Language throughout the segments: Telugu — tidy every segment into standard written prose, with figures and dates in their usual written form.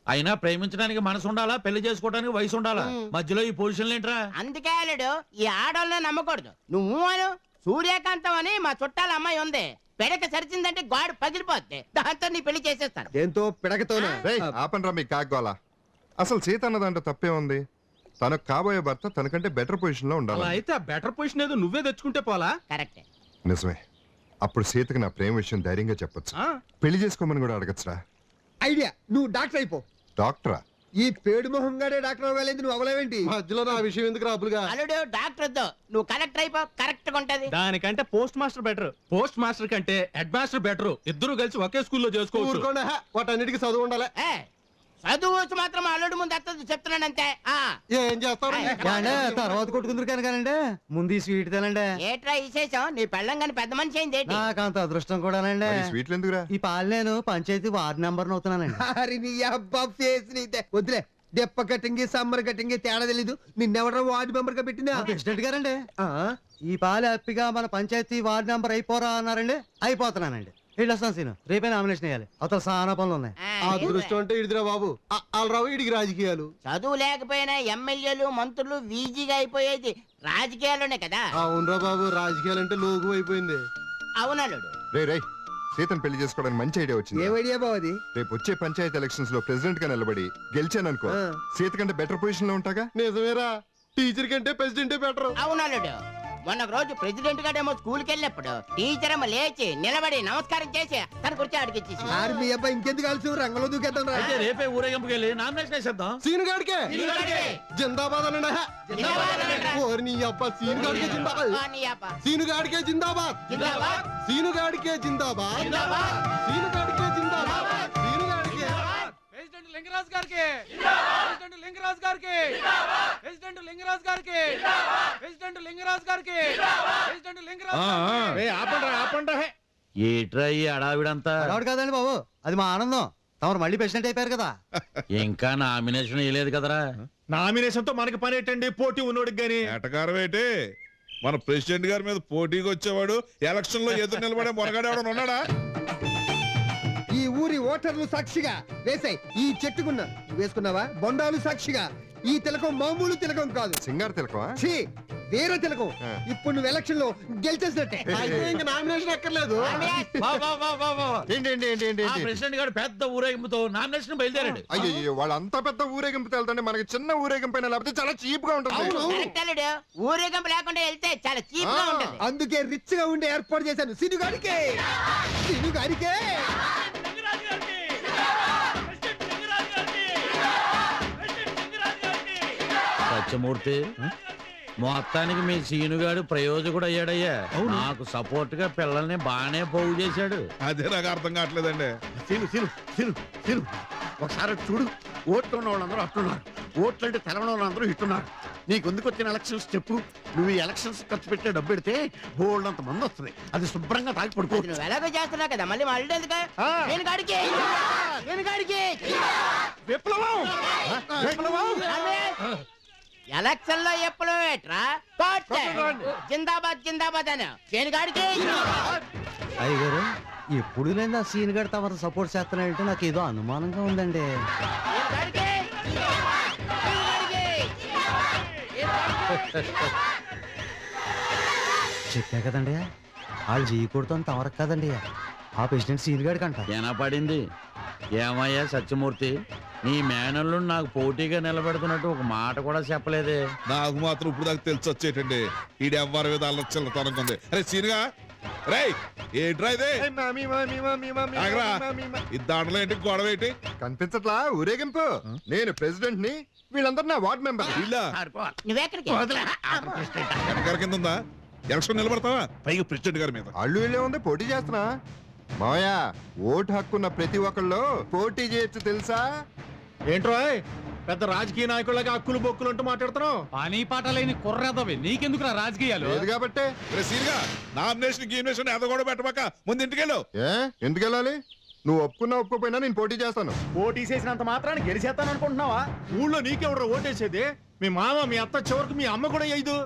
అయినా ప్రేమించడానికి మనసు ఉండాలా, పెళ్లి చేసుకోవడానికి వయసు ఉండాలా, మధ్యలో ఈ పొజిషన్లు ఏంట్రా? అందుకే అల్లుడు ఈ ఆడోళ్ళని నమ్మకూడదు. నువ్వు అను సూర్యకాంతం అని మా చుట్టాల అమ్మాయి ఉంది. పెడక సరిచిందంటే గాడు పగిలిపోద్ది. దాంతో నీ పెళ్లి చేసేస్తాను. దేంతో పిడకతోనా? ఆపండ్రా మీ కాగ్గోలా. అసలు సీత అన్నదంటే తప్పే ఉంది. తనకు కాబోయే భర్త తనకంటే బెటర్ పొజిషన్ లో ఉండాలి. అయితే ఆ బెటర్ పొజిషన్ ఏదో నువ్వే తెచ్చుకుంటే పోలా. కరెక్టే. నిజమే. అప్పుడు సీతకి నా ప్రేమ విషయం ధైర్యంగా చెప్పొచ్చు. పెళ్లి చేసుకోమని కూడా అడగచ్చురా. ఐడియా, నువ్వు డాక్టర్ అయిపో. డాక్టరా? ఈ పేడు మొహంగాడే డాక్టర్ అవ్వాలేదు, నువ్వు అవ్వలేవేంటి? మధ్యలో నా విషయం ఎందుకు రాబులుగా? అల్లుడు డాక్టర్ వద్దు, నువ్వు కలెక్టర్ అయిపో, కరెక్ట్ గా ఉంటది. దానికంటే postmaster better. Postmaster కంటే హెడ్ మాస్టర్ బెటర్. ఇద్దరు కలిసి ఒకే స్కూల్లో చేసుకోవచ్చు. వాటన్నిటికీ చదువు ఉండాలి. చదువు మాత్రం అల్లుడు ముందు ఎత్తదు చెప్తున్నాను అంతే. ఏం చేస్తావు? తర్వాత కొట్టుకుందరు కనుకనండి, ముందు ఈ స్వీట్ తినండి. ఏట్రా విశేషం? నీ పెళ్ళం కానీ పెద్ద మనిషి అయింది ఏంటి? నాకంత అదృష్టం కూడానండి. స్వీట్లు ఎందుకురా? ఈ పాలు నేను పంచాయతీ వార్డు నెంబర్ అవుతున్నానండి. అరే నీ అబ్బా ఫేస్ నీతే వదిలే. దెప్ప కటింగ్ సమ్మర్ కటింగ్ తేడా తెలీదు. నిన్నెవరో వార్డు మెంబర్ గా పెట్టిందా? ప్రెసిడెంట్ గారండి. ఈ పాలు హ్యాపీగా మన పంచాయతీ వార్డు నెంబర్ అయిపోరా అన్నారండి. అయిపోతున్నానండి. వెళ్ళొస్తాను సీను, రేపే నామినేషన్ వేయాలి. అవతల చాలా పనులు ఉన్నాయి. అదృష్టం అంటే ఇడిదిరా బాబు. రావు ఇడికి రాజకీయాలు. చదువు లేకపోయినా ఎమ్మెల్యేలు మంత్రులు వీజీగా అయిపోయేది రాజకీయాల్లోనే కదా. అవునరా బాబు, రాజకీయాలు అంటే లోకు అయిపోయింది. అవునల్లుడు. రే సీతను పెళ్లి చేసుకోవడానికి మంచి ఐడియా వచ్చింది. ఏం ఐడియా బావ అది? రేపు వచ్చే పంచాయతీ ఎలక్షన్స్ లో ప్రెసిడెంట్ గా నిలబడి గెలిచాననుకో, సీత కంటే బెటర్ పొజిషన్ లో ఉంటాగా. నిజమేరా, టీచర్ కంటే ప్రెసిడెంటే బెటర్. అవునల్లుడు. మొన్న రోజు ప్రెసిడెంట్ గారేమో స్కూల్కి వెళ్ళినప్పుడు టీచర్ ఏమో లేచి నిలబడి నమస్కారం చేసి తన కుర్చీ అడిగిచ్చేసి. మీ అబ్బాయి ఇంకెందుకు కలిసి రంగంలో దూకేద్దాం రా. అయితే రేపే ఊరేగింపుకి వెళ్ళి నామినేషన్ వేసేద్దాం. సీను గాడికే జిందాబాద్ అనండి. ఓరి నీ అబ్బా, సీను గాడికే జిందాబాద్. సీను గాడికే జిందాబాద్. సీను గాడికే జిందాబాద్. సీను గాడికే జిందాబాద్. సీను గాడికే. ప్రెసిడెంట్ లింగరాజ్ గారికి, ప్రెసిడెంట్ లింగరాజ్ గారికి, ప్రెసిడెంట్ లింగరాజ్ గారికి, ప్రెసిడెంట్ లింగరాజ్ గారికి, ప్రెసిడెంట్ లింగరాజ్. ఆపండి. ఏట్రా ఈ అడావిడంతా? అడవాడు కాదండి బాబు, అది మా ఆనందం. తమరు మళ్ళీ ప్రెసిడెంట్ అయిపోయారు కదా. ఇంకా నామినేషన్ వేయలేదు కదరా? నామినేషన్ తో మనకి పని ఏంటండి? పోటీ ఉన్నోడికి గాని. ఎటకారం ఏంటి? మన ప్రెసిడెంట్ గారి మీద పోటీకి వచ్చేవాడు ఎలక్షన్ లో ఎదురు నిలబడే మొనగాడేవాడు ఉన్నాడా? ఈ ఊరి ఓటర్లు సాక్షిగా వేసాయి. ఈ చెట్టుకున్న వేసుకున్నావా? బొండాలు సాక్షిగా ఈ తిలకం మామూలు తిలకం కాదు, సింగారు తిలకమా? ఛీ, వేరే తిలకం. ఇప్పుడు నువ్వు ఎలక్షన్ లో గెలిచేసినట్టే. ఇంకా నామినేషన్ ఎక్కర్లేదు. ప్రెసిడెంట్ గారు పెద్ద ఊరేగింపుతో నామినేషన్ బయలుదేరాడు. అయ్యో, వాళ్ళు అంత పెద్ద ఊరేగింపు వెళ్తుంటే మనకి చిన్న ఊరేగింపు అయినా లేకపోతే చాలా చీప్ గా ఉంటుంది. ఊరేగింపు లేకుండా వెళ్తే చాలా చీప్ గా ఉంటుంది. అందుకే రిచ్ గా ఉండే ఏర్పాటు చేశాను. సినుగాడికే సత్యమూర్తి, మొత్తానికి మీ సీనుగాడు ప్రయోజకుడు అయ్యాడయ్యా. నాకు సపోర్ట్ గా పిల్లల్ని బాగానే పోగు చేశాడు. అదే నాకు అర్థం కావట్లేదండి. ఒకసారి చూడు, ఓట్లు ఉన్న వాళ్ళందరూ అట్టున్నారు, ఓట్లు అంటే తెలవని వాళ్ళందరూ ఇట్టున్నారు. నీకు ఎందుకు వచ్చిన ఎలక్షన్స్ చెప్పు. నువ్వు ఈ ఎలక్షన్స్ ఖర్చు పెట్టే డబ్బు పెడితే బోల్డ్ అంత మంది వస్తుంది. అది శుభ్రంగా తాగి పడుకో. నువ్వు ఎలాగో చేస్తున్నావు కదా, మళ్ళీ మళ్ళీ ఎందుకు? ఎలక్షన్ లో ఎప్పుడు జిందాబాద్ జిందాబాద్ అని దేనికాడికి. అయ్యగారు, ఎప్పుడు లేదా సీన్ గడి తమరు సపోర్ట్ చేస్తున్నాడంటే నాకు ఏదో అనుమానంగా ఉందండి. చెప్పా కదండి, వాళ్ళు చేయకూడదు తమరకు కదండి. ఆ ప్రెసిడెంట్ సీన్ గడికి అంట. ఏనా పడింది. ఏమయ్యా సత్యమూర్తి, నీ మేనల్లు నాకు పోటీగా నిలబెడుతున్నట్టు ఒక మాట కూడా చెప్పలేదే. నాకు మాత్రం ఇప్పుడు దాకా తెలిసి వచ్చేటండి. ఈడు ఎవ్వరి మీద చిల్లతనంగా ఉంది. అరే సీనుగా, రే ఏంట్రా ఇదే? ఈ దాంట్లో ఏంటి, గొడవ ఏంటి? కనిపించట్లా ఊరేగింపు? నేను ప్రెసిడెంట్ ని, వీళ్ళందరూ నా వార్డ్ మెంబర్. నువ్వెక్కడికి? వెనకాల కింద ఉందా? ఎలక్షన్ నిలబడతావా? పైగా ప్రెసిడెంట్ గారి మీద. అల్లు వెళ్ళే ఉంది, పోటీ చేస్తున్నా. మావయ్య, ఓటు హక్కున్న ప్రతి ఒక్కళ్ళు పోటీ చేయొచ్చు తెలుసా? ఏంట్రో పెద్ద రాజకీయ నాయకులకి హక్కులు బొక్కులు అంటూ మాట్లాడుతున్నావు. పని పాట లేని కుర్రదవి, నీకెందుకు రాజకీయాలు? లేదు కాబట్టి. నామినేషన్ ఎద కూడా పెట్టబాక, ముందు ఇంటికెళ్ళు. ఎందుకు వెళ్ళాలి? నువ్వు ఒప్పుకున్నా ఒప్పుకోపోయినా నేను పోటీ చేస్తాను. పోటీ చేసినంత మాత్రాన్ని గెలిచేస్తాను అనుకుంటున్నావా? ఊళ్ళో నీకెవరు ఓటేసేది? మీ మామ, మీ అత్త, చివరికి మీ అమ్మ కూడా వేయదు.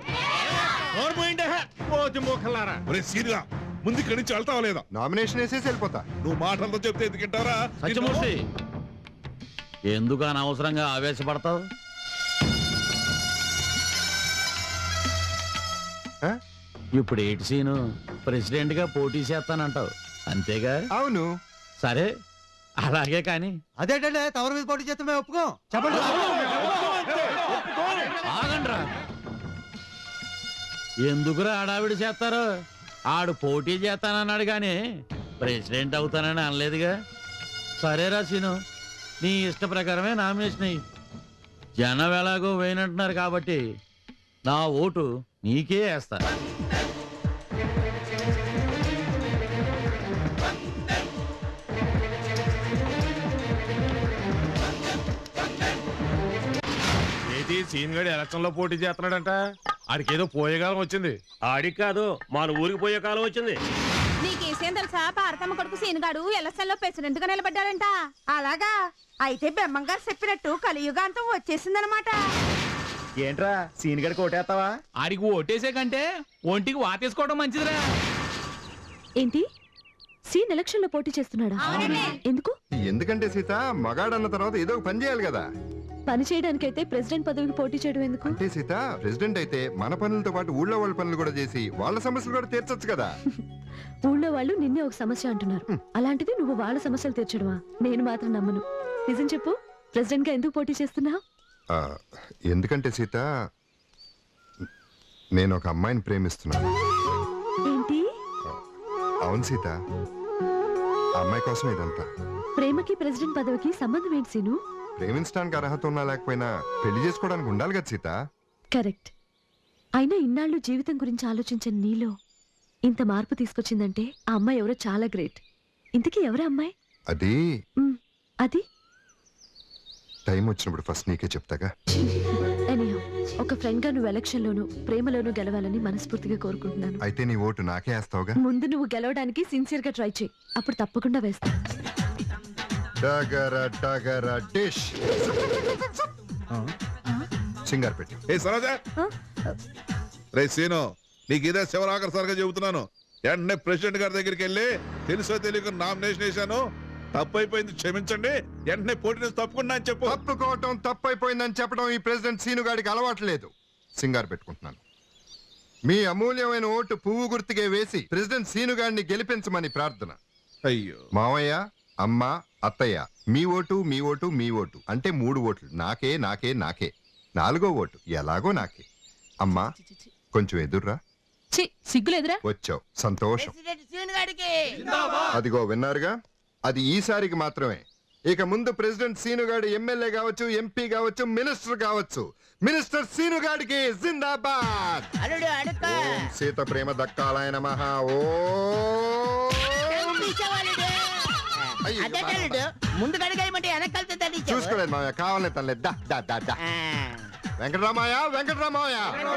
మోకలారా. ముందు ఇక్కడి నుంచి వెళ్తావా లేదా? నామినేషన్ వేసేసి వెళ్ళిపోతా. నువ్వు మాటలతో చెప్తే ఎందుకంటారా? సత్యమూర్తి, ఎందుకు అనవసరంగా ఆవేశపడతావు? ఆ? ఇప్పుడు ఏటి సీను ప్రెసిడెంట్ గా పోటీ చేస్తానంటావు అంతేగా? అవును. సరే అలాగే కానీ అదేంటంటే తవర మీద పోటీ చేస్తే మేము ఒప్పుకోం. చెప్పండి. ఆగండ్రా. ఎందుకురా ఆడావిడి చేస్తారు? ఆడు పోటీ చేస్తానన్నాడు కానీ ప్రెసిడెంట్ అవుతానని అనలేదుగా. సరేరా సీను, నీ ఇష్ట ప్రకారమే నామినేషన్ అయ్యి. జనం ఎలాగో వేయనంటున్నారు కాబట్టి నా ఓటు నీకే వేస్తా. సీన్ గడి ఎలక్షన్ లో పోటీ చేస్తున్నాడంట. ఆడికి ఏదో పోయే కాలం వచ్చింది. ఆడికి కాదు, మన ఊరికి పోయే కాలం వచ్చింది. నీకేసేం తెలుసా? పార్తమ్మ కొడుకు సీనుగాడు ఎలక్షన్ లో ప్రెసిడెంట్ గా నిలబడ్డాడంట. అలాగా? అయితే బెమ్మంగారు చెప్పినట్టు కలియుగాంతం వచ్చేసిందనమాట. ఏంట్రా సీన్ గడికి ఓటేస్తావా? ఆడికి ఓటేసే కంటే ఒంటికి వాతేసుకోవడం మంచిదిరా. ఏంటి? సీన్ ఎలక్షన్ లో పోటీ చేస్తున్నాడా? ఎందుకు? ఎందుకంటే సీత మగాడన్న తర్వాత ఏదో ఒక పని చేయాలి కదా. పని చేయడానికైతే ప్రెసిడెంట్ పదవికి పోటీ చేయడం ఎందుకు? అంటే సీత ప్రెసిడెంట్ అయితే మన పనులతో పాటు ఊళ్ళో వాళ్ళ పనులు కూడా చేసి వాళ్ళ సమస్యలు కూడా తీర్చొచ్చు కదా. ఊళ్ళో వాళ్ళు నిన్నే ఒక సమస్య అంటున్నారు, అలాంటిది నువ్వు వాళ్ళ సమస్యలు తీర్చడమా? నేను మాత్రం నమ్మను. నిజం చెప్పు, ప్రెసిడెంట్ గా ఎందుకు పోటీ చేస్తున్నావు? ఎందుకంటే సీత నేను ఒక అమ్మాయిని ప్రేమిస్తున్నాను. ఏంటి? అవును సీత, ఆ అమ్మాయి కోసం ఇదంతా. ప్రేమకి ప్రెసిడెంట్ పదవికి సంబంధం ఏంటి సీను? ప్రేమించడానికి అర్హత ఉన్నా లేకపోయినా పెళ్లి చేసుకోవడానికి ఉండాలి కదా సీత. కరెక్ట్. అయినా ఇన్నాళ్ళు జీవితం గురించి ఆలోచించిన నీలో ఇంత మార్పు తీసుకొచ్చిందంటే ఆ అమ్మాయి ఎవరో చాలా గ్రేట్. ఇంతకీ ఎవరా అమ్మాయి? అది అది టైం వచ్చినప్పుడు ఫస్ట్ నీకే చెప్తాగా. ఎనీహౌ, ఒక ఫ్రెండ్ గా నువ్వు ఎలక్షన్ లోను ప్రేమలోను గెలవాలని మనస్ఫూర్తిగా కోరుకుంటున్నాను. అయితే నీ ఓటు నాకే వేస్తావుగా. ముందు నువ్వు గెలవడానికి సిన్సియర్ గా ట్రై చేయి, అప్పుడు తప్పకుండా వేస్తా. డిష్ సింగార్ పెట్టి. ఏ సరోజా, రే సీను, నీకు ఇదే శివరాకర్సారిగా చెబుతున్నాను. వెంటనే ప్రెసిడెంట్ గారి దగ్గరికి వెళ్ళి తెలుసో తెలియక నామినేషన్ వేశాను, తప్పైపోయింది, క్షమించండి, వెంటనే పోటీ నుంచి తప్పుకున్నా అని చెప్పు. తప్పుకోవటం తప్పైపోయిందని చెప్పడం ఈ ప్రెసిడెంట్ సీను గారికి అలవాట్లేదు. సింగార్ పెట్టుకుంటున్నాను. మీ అమూల్యమైన ఓటు పువ్వు గుర్తుకే వేసి ప్రెసిడెంట్ సీను గారిని గెలిపించమని ప్రార్థన. అయ్యో. మావయ్య, అమ్మ, అత్తయ్య, మీ ఓటు మీ ఓటు మీ ఓటు అంటే 3 ఓట్లు. నాకే నాకే నాకే. 4వ ఓటు ఎలాగో నాకే. అమ్మా కొంచెం ఎదుర్రా. సిగ్గులేదురా? వచ్చావు, సంతోషం. అదిగో విన్నారుగా, అది ఈసారికి మాత్రమే. ఇక ముందు ప్రెసిడెంట్ సీనుగాడు ఎమ్మెల్యే కావచ్చు, ఎంపీ కావచ్చు, మినిస్టర్ కావచ్చు. మినిస్టర్ సీనుగాడికి జిందాబాద్. ఓం సీత ప్రేమ దక్కాలయ నమః. ముందు గడిగేయమంటే చూసుకోలేదు మామయ్య, కావాలని తనలే. వెంకటరామయ్య, వెంకటరామయ్య.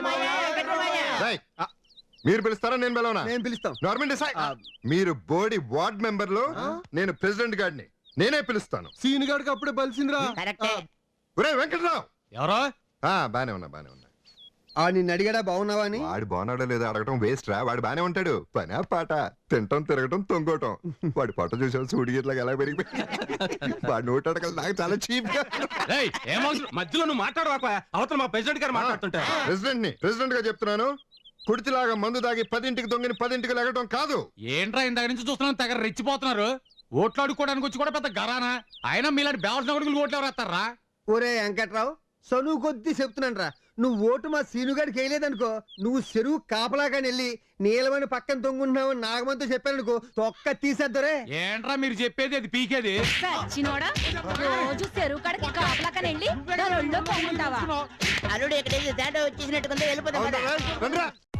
మీరు పిలుస్తారా నేను పిలవనా? నేను పిలుస్తాం. Government decide. మీరు బోర్డు వార్డ్ మెంబర్లు, నేను ప్రెసిడెంట్ గారిని, నేనే పిలుస్తాను. సీన్ గాడికి అప్పుడే బలిసిందిరా. ఒరే వెంకటరావు. ఎవరో బానే ఉన్నా బానే ఉన్నా. ఆ నిన్ను అడిగాడా బాగున్నావా అని? వాడు బాగున్నాడో లేదో అడగటం వేస్ట్ రా. వాడు బానే ఉంటాడు. పనా పాట, తింటం తిరగటం తొంగటం. వాడి పొట్ట చూసాడు సూడిగిట్లా ఎలా పెరిగిపోయి. వాడు నోట్ అడగలు నాకు చాలా చీప్ గా. మధ్యలో నువ్వు మాట్లాడవాక, అవతల మా ప్రెసిడెంట్ గారు మాట్లాడుతుంటా. ప్రెసిడెంట్ గా చెప్తున్నాను, కుడితిలాగా మందు దాగి 10ంటికి దొంగని 10ంటికి లెగటం కాదు. ఏంట్రా ఇందాక నుంచి చూస్తున్నాను, తెగ రెచ్చిపోతున్నారు. ఓట్లు అడుక్కోవడానికి వచ్చి కూడా పెద్ద గరానా. అయినా మీలాంటి బేవసిన కొడుకులు ఓట్లు ఎవరు వేస్తారా? ఒరే వెంకట్రావు, చనువు కొద్దీ చెప్తున్నాను రా. నువ్వు ఓటు మా సీనుగాడికి వేయలేదనుకో, నువ్వు చెరువు కాపలాగాని వెళ్ళి నీలమని పక్కన తొంగుంటున్నావు నాగమంతో చెప్పానుకో, తొక్క తీసేద్దరే. ఏంట్రా మీరు చెప్పేది? అది పీకేది. రోజు చెరువు కాడికి కాపలాకని వెళ్ళి అల్లుడు ఎక్కడైతే తేడా వచ్చేసినట్టుకుందో వెళ్ళిపోతాం.